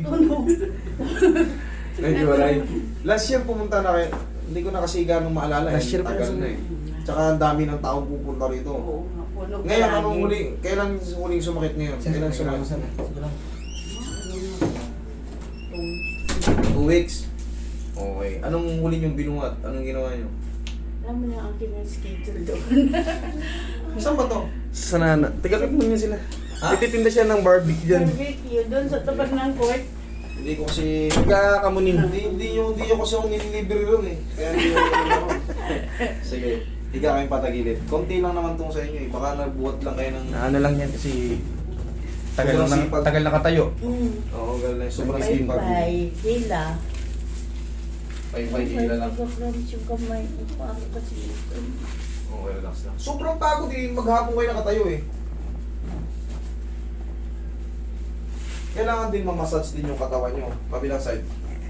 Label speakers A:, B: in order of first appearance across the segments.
A: Tunog.
B: Medyo walay. Last year pumunta na kayo. Hindi ko na kasi ganong maalala.
C: Last year pa
B: tagal na eh. Tsaka ang dami ng taong pupunta rito.
A: Oo, nga, punog
B: Ngayon,
A: palagi.
B: anong huling, kailan huling sumakit ngayon? Kailan sumakit?
C: Sige lang.
B: 2 weeks. Okay. Anong huli niyong binuhat? Anong ginawa niyo?
A: Alam mo na ang aking schedule doon.
B: Saan ba to?
C: Sa nana. Tigalog mo niya sila.
B: Ha?
C: Ititinda siya ng barbecue dyan.
A: Barbecue, doon sa tapat ng court.
B: Hindi ko kasi...
C: Nagkakamunin.
B: Hindi nyo kasi ako nililibre ron eh. Kaya hindi ko ron. Sige. Higa kayong patagilid. Konti lang naman tong sa inyo eh. Baka nagbuhat lang kayo ng...
C: Ano lang yan kasi
B: Sobrang sipag.
C: tagal nakatayo.
B: Oo, ganun lang. Sobrang sipag.
A: Pay-pay, hila.
B: Pay-pay hila lang.
A: Pag-promise yung kamay ko, paano kasi ito?
B: Okay, relax lang. Sobrang pagod eh. Maghapon kayo nakatayo eh. Kailangan din mamassage din yung katawan nyo. Kabilang side.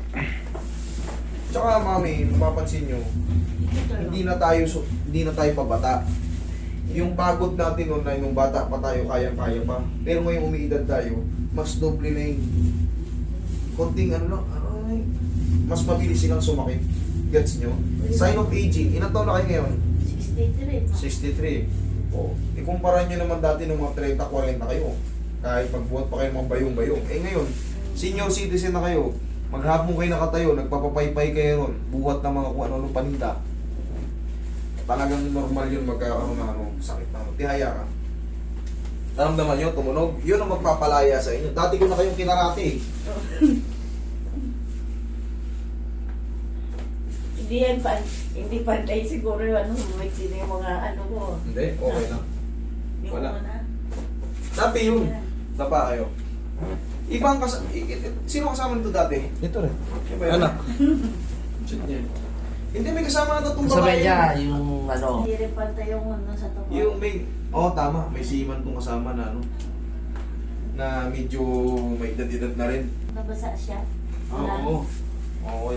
B: Tsaka mami, mapapansin nyo, hindi na tayo pabata. Yung pagod natin noon na nung bata pa tayo, kayang-kaya pa. Pero ngayong umiidad tayo, mas doble na yung konting ano lang, ay, mas mabilis silang sumakit. Gets nyo? Sign of aging. Ilan taon na kayo ngayon?
A: 63.
B: 63. O, ikumpara nyo naman dati ng mga 30-40 kayo. Kahit magbuhat pa kayo mga bayong-bayong. Eh ngayon, senior citizen na kayo, maghapon kayo nakatayo, nagpapapaypay kayo ron, buhat ng mga kung ano-ano paninda. Talagang normal yun magkakaroon ng ano, sakit na ano. Tihaya ka. Naramdaman nyo, tumunog. Yun ang magpapalaya sa inyo. Dati ko na kayong kinarate eh.
A: Hindi pantay siguro yung ano, sino yung mga ano ko.
B: Hindi, okay lang.
A: Yung
B: Wala.
A: mga na.
B: Dati yun. Dapa kayo. Ibang sino kasama nito dati?
C: Ito rin.
B: Iba yun?
C: Anak.
B: Shit niya. Hindi, may kasama na tatong
D: Sabay
B: babae.
D: niya, yung ano,
A: Hindi rin pantay yung ano sa tuwa.
B: Yung may, tama, may seaman tong kasama na ano, na medyo may edad-edad na rin.
A: Nabasa siya.
B: Oo. Okay.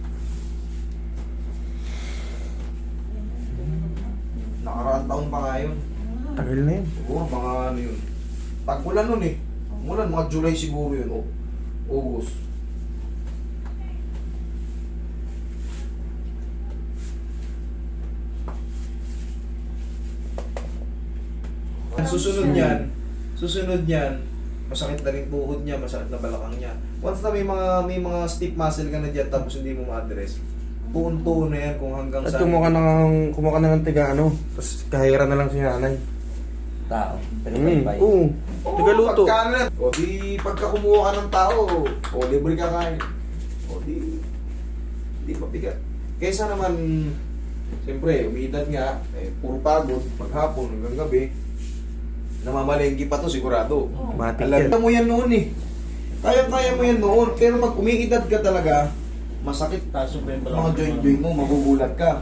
B: Nakaraang taon pa nga yun.
C: Tagal na yun.
B: Siguro mga ano yun. Tag-ulan nun eh. Ulan, mga July siguro yun. August. Susunod niyan, masakit na rin tuhod niya, masakit na balakang niya. Once na may mga stiff muscle ka na dyan tapos hindi mo ma-address, tuon-tuon na yan kung hanggang
C: At
B: saan.
C: kumuha ka na ng tiga ano. Tapos kahira na lang si nanay.
D: tao, pinapaypay.
C: Oo. Tigaluto.
B: Pagka na, o di pagka kumuha ka ng tao, o libre ka kain. O di mabigat. Kaysa naman, siyempre, umiidad nga, puro pagod, maghapon hanggang gabi, namamalengki pa to sigurado.
C: Matik yan.
B: Alam mo yan noon eh. Kaya mo yan noon, pero pag umiidad ka talaga, masakit mga joint mo, magugulat ka.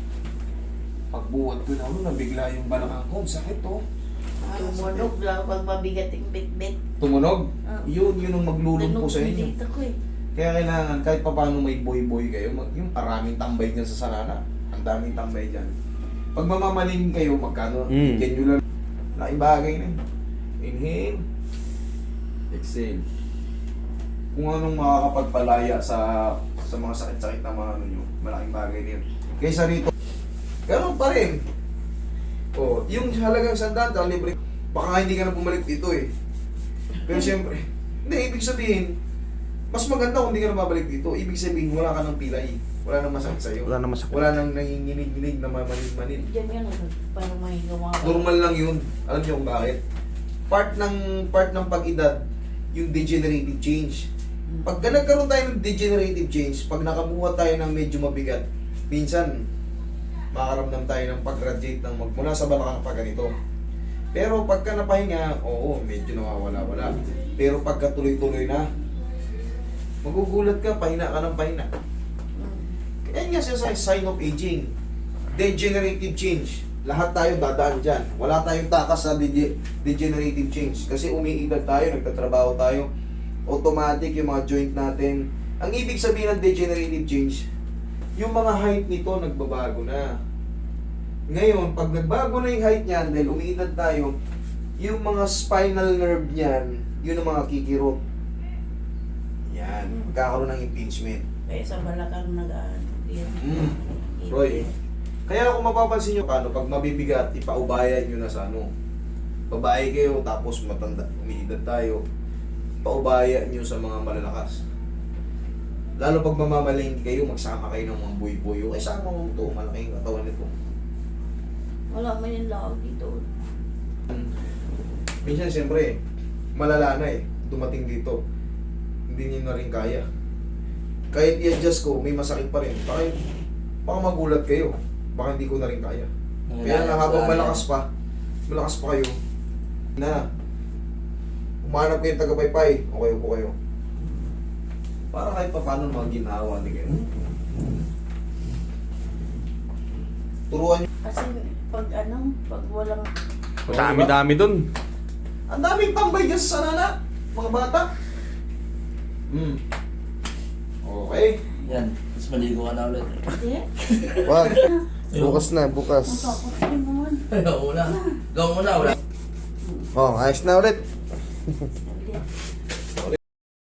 B: Pagbuhat ko na nabigla yung balakang ko, sakit to.
A: Tumunog lang pag mabigat yung bit-bit.
B: Tumunog?
A: Ah.
B: Yun ang maglulumpo sa inyo.
A: Dito ko eh.
B: Kaya kailangan, kahit pa paano may boy-boy kayo, yung maraming tambay dyan sa sarana. Ang daming tambay dyan. Pag mamamalingin kayo, magkano? Bigyan nyo lang. Laking bagay na yun. Inhale. Exhale. Kung anong makakapagpalaya sa mga sakit-sakit na mga ano nyo, malaking bagay na yun. Kaysa rito, ganun pa rin. O, yung halagang sandaan, libre. Baka hindi ka na bumalik dito eh. Pero siyempre, hindi, ibig sabihin, mas maganda kung hindi ka na babalik dito. Ibig sabihin, wala ka ng pilay. Wala nang masakit sa'yo.
C: Wala na masakit.
B: Wala nang nanginginig-ginig na mamanid-manid.
A: Diyan yan, parang mahigawa ka.
B: Normal lang yun. Alam niyo kung bakit? Part ng pag-edad, yung degenerative change. Pagka nagkaroon tayo ng degenerative change, pag nakabuhat tayo ng medyo mabigat, minsan, makaramdam tayo ng pag-radiate ng magmula sa balakang pa ganito. Pero pagka napahinga, oo, medyo nawawala-wala. Pero pagka tuloy-tuloy na, magugulat ka, pahina ka ng pahina. Kaya nga siya sa sign of aging. Degenerative change. Lahat tayo dadaan dyan. Wala tayong takas sa degenerative change. Kasi umiidad tayo, nagtatrabaho tayo. Automatic yung mga joint natin. Ang ibig sabihin ng degenerative change, yung mga height nito nagbabago na. Ngayon, pag nagbago na yung height niyan, dahil umiidad tayo, yung mga spinal nerve niyan, yun ang mga kikirot. yan. Magkakaroon ng impingement.
A: Kaya sa balakang nag-ano.
B: Roy, kaya kung mapapansin nyo, pag mabibigat, ipaubayan nyo na sa ano. Babae kayo, tapos matanda, umiidad tayo. Paubayan nyo sa mga malalakas. Lalo pag mamamalingki kayo, magsama kayo ng mga buy-buy. Yung isama mo ito, malaking katawan nito.
A: Wala man yung laog dito.
B: Minsan, siyempre, malala na dumating dito. Hindi niyo na rin kaya. Kahit i-adjust ko, may masakit pa rin. Baka magulat kayo. Baka hindi ko na rin kaya. Kaya na habang malakas pa kayo, na umanap kayo ng tagapaypay, okay po kayo. Para kahit pa paano maginawa ni kayo. Turuan nyo.
A: Kasi pag walang...
C: Dami-dami dun.
B: Ang daming tambay dyan sa sanana, mga bata. Okay.
D: Yan, mas maligo ka na ulit.
A: Hindi.
C: Wag. Bukas na, bukas.
A: Ang takot ko naman.
D: Ayaw mo na. Gawin mo na, wala.
C: Oh, ayos na ulit.
A: Saglit.